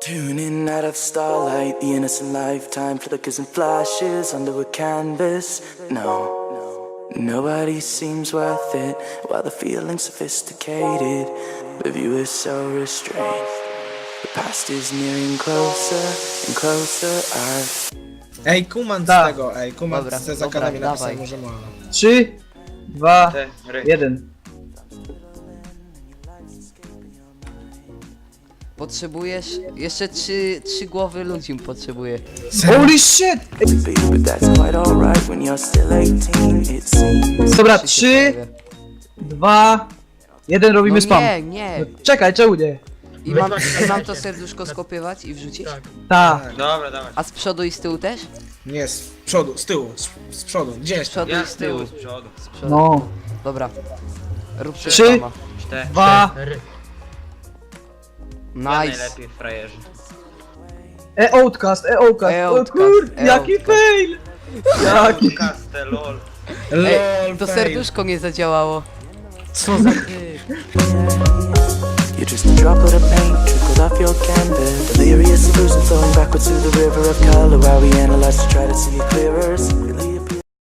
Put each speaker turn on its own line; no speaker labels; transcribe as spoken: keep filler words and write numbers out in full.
Tuning out of starlight, the innocent lifetime flickers and flashes under a canvas. No, nobody seems worth it, while the feeling's sophisticated. The view is so restrained. The past is nearing closer and closer. I've
Ej, kumant z
Da.
tego, ej, kumant
Dobra,
z
dobra,
zakładami napisał,
dawaj.
może ma.
Trzy, dwa,
Cztery.
jeden.
Potrzebujesz jeszcze trzy, trzy głowy ludzi potrzebuję.
Holy shit!
to be, but that's quite alright when you're still eighteen, it seems.
Dobra,
Trzy się
trzy,
pojawię.
dwa, jeden, robimy
No
spam.
nie, nie.
Czekaj, czemu nie?
I mam, i mam to serduszko skopiować i wrzucić?
Tak.
Dobra, dawaj.
A z przodu i z tyłu też?
Nie, z przodu, z tyłu, z, z przodu, gdzie
Z
jest?
przodu
Ja
i z
z tyłu,
tyłu.
z przodu.
Z przodu.
No.
Dobra. Róbcie
Trzy.
sama.
Cztery.
Dwa.
Ja
Nice.
najlepiej frajerzy.
E outcast, e outcast. O
E-outcast,
kur, jaki
e-outcast.
fail! Jaki.
Kaste, lol.
LOL,
Ej, to
fail.
serduszko nie zadziałało. Co za ty?
You're just a droplet of paint trickled off your canvas. Delirious illusion flowing backwards through the river of color while we analyze to try to see it clearer. Simply